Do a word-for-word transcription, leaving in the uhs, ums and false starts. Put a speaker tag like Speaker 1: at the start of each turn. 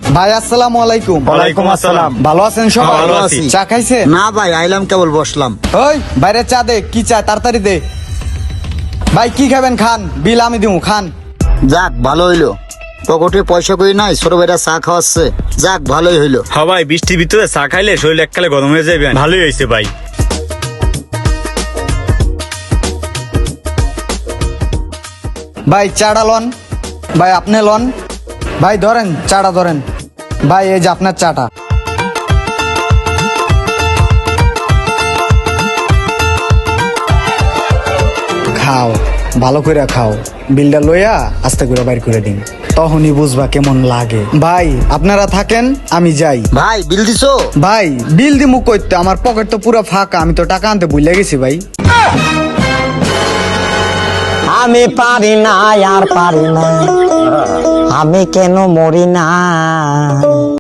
Speaker 1: ভাই আসসালামু আলাইকুম।
Speaker 2: ওয়ালাইকুম আসসালাম।
Speaker 1: ভালো আছেন সবাই?
Speaker 2: ভালো আছি।
Speaker 1: চা খাইছে?
Speaker 3: না ভাই, আইলাম কেবল বসলাম।
Speaker 1: ওই বাইরে চা দে, কি চা তাড়াতাড়ি দে। ভাই কি খাবেন খান, বিল আমি দিমু, খান।
Speaker 3: যাক ভালো হইলো, পকেটে পয়সা কই নাই, ছোট ভাইরা চা খাওয়াচ্ছে। যাক ভালোই হইলো।
Speaker 2: হ্যাঁ ভাই, বৃষ্টির ভিতরে চা খাইলে শরীর এককালে গরম হয়ে যাবে। ভালোই হয়েছে ভাই।
Speaker 1: ভাই চাটা লন, ভাই আপনি লন। ভাই ধরেন চাটা ধরেন। ভাই এই যে আপনার চাটা। খাও, ভালো করে খাও। বিলটা লইয়া আস্তে করে বাইর করে দিন, তখনই বুঝবা কেমন লাগে। ভাই আপনারা থাকেন, আমি যাই।
Speaker 3: ভাই বিল দিছো?
Speaker 1: ভাই বিল দিমু কইতে, আমার পকেট তো পুরো ফাঁকা, আমি তো টাকা আনতে ভুলে গেছি ভাই।
Speaker 4: আমি পারি না আর পারি না, আমি কেন মরি না।